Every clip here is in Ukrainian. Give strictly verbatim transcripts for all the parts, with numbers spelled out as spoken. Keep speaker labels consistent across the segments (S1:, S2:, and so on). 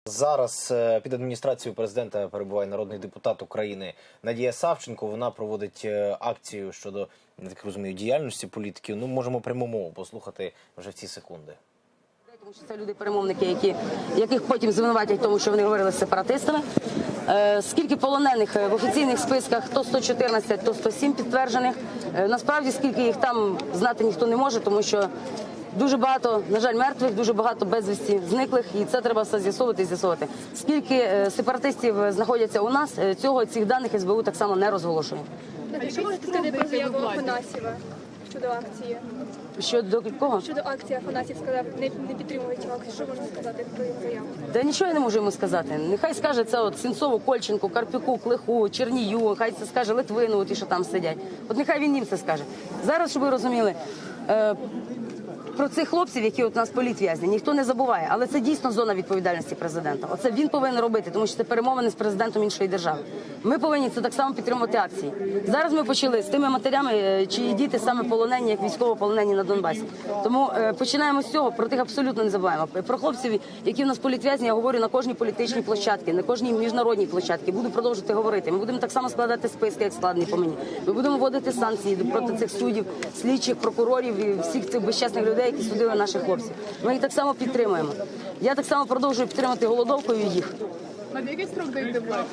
S1: Зараз під адміністрацією президента перебуває народний депутат України Надія Савченко. Вона проводить акцію щодо, я так розумію, діяльності політиків. Ну, можемо пряму мову послухати вже в ці секунди.
S2: Тому що це люди-перемовники, які, яких потім звинуватять в тому, що вони говорили з сепаратистами. Е, скільки полонених в офіційних списках, то сто чотирнадцять, то сто сім підтверджених. Е, насправді, скільки їх там знати ніхто не може, тому що дуже багато, на жаль, мертвих, дуже багато безвісті зниклих, і це треба все з'ясовувати і з'ясовувати. Скільки е, сепаратистів знаходяться у нас, е, цього, цих даних ес бе у так само не розголошує.
S3: А що можете сказати про заяву Афанасьєва щодо акції?
S2: Щодо кого?
S3: Щодо акції Афанасьєв сказав, не, не підтримують акцію. Що можна сказати про його заяву?
S2: Да нічого я не можу йому сказати. Нехай скаже це от Сенцову, Кольченку, Карпюку, Клиху, Чернію, хай це скаже Литвину, ті, що там сидять. От нехай він їм це скаже. Зараз, щоб ви розуміли, е про цих хлопців, які от у нас політв'язні, ніхто не забуває, але це дійсно зона відповідальності президента. Оце він повинен робити, тому що це перемовини з президентом іншої держави. Ми повинні це так само підтримувати акції. Зараз ми почали з тими матерями, чиї діти саме полонені, як військовополонені на Донбасі. Тому е, починаємо з цього, про тих абсолютно не забуваємо. Про хлопців, які в нас політв'язні, я говорю на кожній політичній площадці, на кожній міжнародній площадці. Буду продовжувати говорити. Ми будемо так само складати списки, як складені по мені. Ми будемо вводити санкції проти цих суддів, слідчих, прокурорів і всіх цих безчесних людей, які судили наших хлопців. Ми їх так само підтримуємо. Я так само продовжую підтримати голодовкою їх.
S4: А для який строк даєте владі?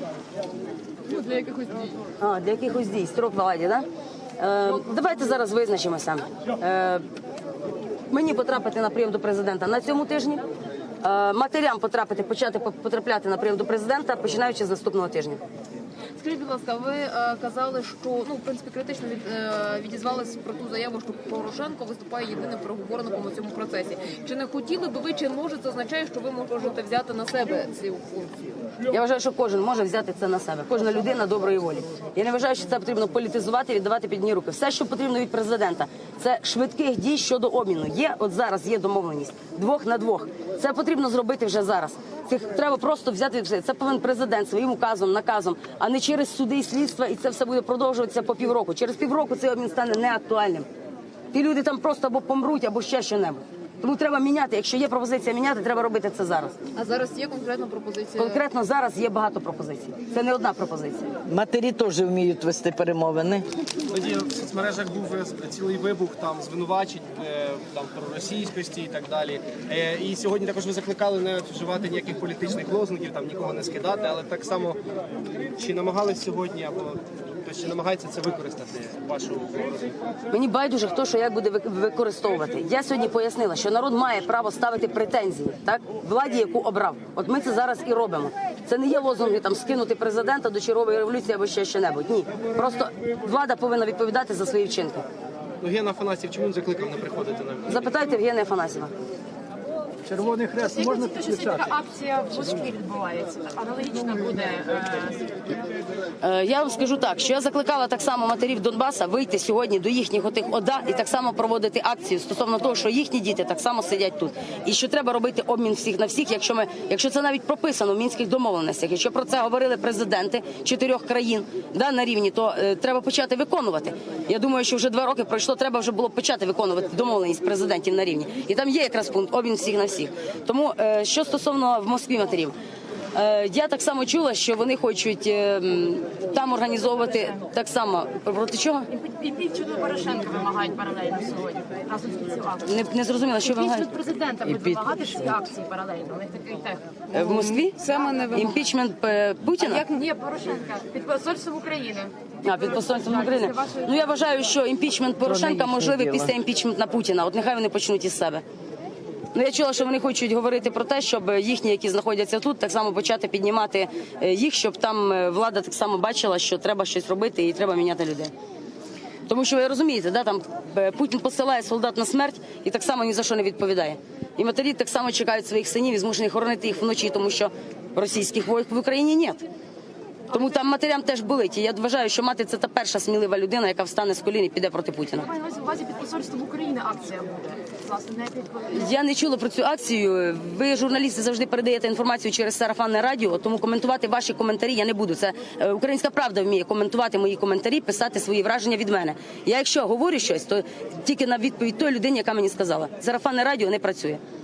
S4: Ну, для якихось дій.
S2: А, для якихось дій. Строк владі, так? Да? Е, давайте зараз визначимося. Е, мені потрапити на прийом до президента на цьому тижні. Е, матерям потрапити, почати потрапляти на прийом до президента, починаючи з наступного тижня.
S4: Скажіть, будь ласка, ви е, казали, що, ну, в принципі, критично від, е, відізвались про ту заяву, що Порошенко виступає єдиним переговорником у цьому процесі. Чи не хотіли би ви, чи може це означає, що ви можете взяти на себе цю функцію?
S2: Я вважаю, що кожен може взяти це на себе. Кожна людина доброї волі. Я не вважаю, що це потрібно політизувати і віддавати під дні руки. Все, що потрібно від президента, це швидких дій щодо обміну. Є, от зараз є домовленість. Двох на двох. Це потрібно зробити вже зараз. Цих треба просто взяти все. Це повинен президент своїм указом, наказом, а не через суди і слідства, і це все буде продовжуватися по півроку. Через півроку цей обмін стане неактуальним. Ті люди там просто або помруть, або ще що-небудь. Тому треба міняти. Якщо є пропозиція міняти, треба робити це зараз.
S4: А зараз є конкретна пропозиція?
S2: Конкретно зараз є багато пропозицій. Це не одна пропозиція.
S5: Матері теж вміють вести перемовини.
S6: Тоді в соцмережах був цілий вибух там звинувачень там про російськості і так далі. І сьогодні також ви закликали не вживати ніяких політичних лозунгів, там нікого не скидати, але так само чи намагались сьогодні або хтось чи намагається це використати вашу розвитку?
S2: Мені байдуже, хто що як буде використовувати. Я сьогодні пояснила, що народ має право ставити претензії, так, владі, яку обрав. От ми це зараз і робимо. Це не є лозунги там скинути президента до чергової революції або ще що-небудь. Ні, просто влада повинна відповідати за свої вчинки.
S6: Ну, Ген Афанасьєв чому він закликав не приходити на
S2: Запитайте Євгена Афанасьєва.
S7: Червоний хрест можна підключати?
S8: Така акція в Москві відбувається. Аналогічно буде.
S2: Е, я вам скажу так, що я закликала так само матерів Донбаса вийти сьогодні до їхніх отих ОДА і так само проводити акцію стосовно того, що їхні діти так само сидять тут. І що треба робити обмін всіх на всіх, якщо ми, якщо це навіть прописано в мінських домовленостях, якщо про це говорили президенти чотирьох країн, да, на рівні, то е, треба почати виконувати. Я думаю, що вже два роки пройшло, треба вже було почати виконувати домовленість президентів на рівні. І там є якраз пункт обмін всіх на всіх. Тому, що стосовно в Москві матерів, я так само чула, що вони хочуть там організовувати так само, проти чого?
S8: Імпічмент Порошенка вимагають паралельно сьогодні, разом з цю акцію.
S2: Не, не зрозуміла, що вимагають?
S8: Імпічмент президента буде вимагати всі акції паралельно, у них такий тех.
S2: В Москві?
S4: Саме не вимагає.
S2: Імпічмент Путіна?
S8: Як ні, Порошенка, під посольством України.
S2: А, під посольством України. Ну, я вважаю, що імпічмент Порошенка можливий після імпічменту Путіна. От нехай вони почнуть із себе. Ну, я чула, що вони хочуть говорити про те, щоб їхні, які знаходяться тут, так само почати піднімати їх, щоб там влада так само бачила, що треба щось робити і треба міняти людей. Тому що, ви розумієте, да, там Путін посилає солдат на смерть і так само ні за що не відповідає. І матері так само чекають своїх синів і змушені хоронити їх вночі, тому що російських військ в Україні немає. Тому там матерям теж болить. І я вважаю, що мати – це та перша смілива людина, яка встане з колін і піде проти Путіна.
S8: Маю на увазі під посольством України акція буде. Власне, не під...
S2: Я не чула про цю акцію. Ви, журналісти, завжди передаєте інформацію через сарафанне радіо, тому коментувати ваші коментарі я не буду. Це Українська Правда вміє коментувати мої коментарі, писати свої враження від мене. Я якщо говорю щось, то тільки на відповідь той людині, яка мені сказала. Сарафанне радіо не працює.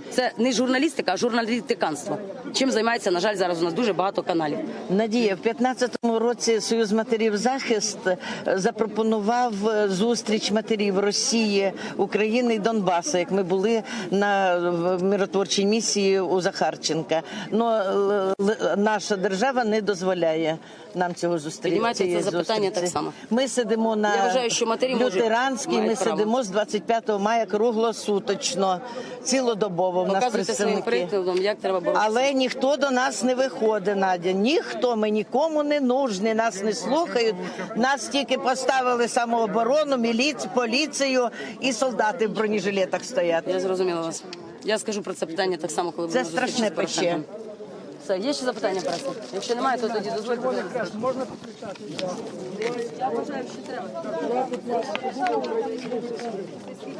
S2: Це не журналістика, а журналістиканство. Чим займається, на жаль, зараз у нас дуже багато каналів.
S5: Надія, в п'ятнадцятому році Союз матерів «Захист» запропонував зустріч матерів Росії, України і Донбасу, як ми були на миротворчій місії у Захарченка. Но наша держава не дозволяє нам цього зустріти.
S2: Піднімайте це запитання
S5: зустрічі.
S2: так само.
S5: Ми сидимо на
S2: Я вважаю, що матері можуть,
S5: Лютеранській, ми
S2: мають право.
S5: сидимо з двадцять п'ятого мая круглосуточно, цілодобово. В нас
S2: Показуйте своїм
S5: представники.
S2: прикладом, як треба боротися.
S5: Але ніхто до нас не виходить, Надя. Ніхто, ми нікому не нужні, нас не слухають. Нас тільки поставили самооборону, міліцію, поліцію і солдати в бронежилетах стоять.
S2: Я зрозуміла вас. Я скажу про це питання так само, коли
S5: Це
S2: буду зустрічі
S5: страшне
S2: з Порошенком.
S5: пече.
S2: Все, є ще запитання, преса? Якщо немає, то тоді дозвольте.
S7: Можна підключати?
S2: Я вважаю, що треба.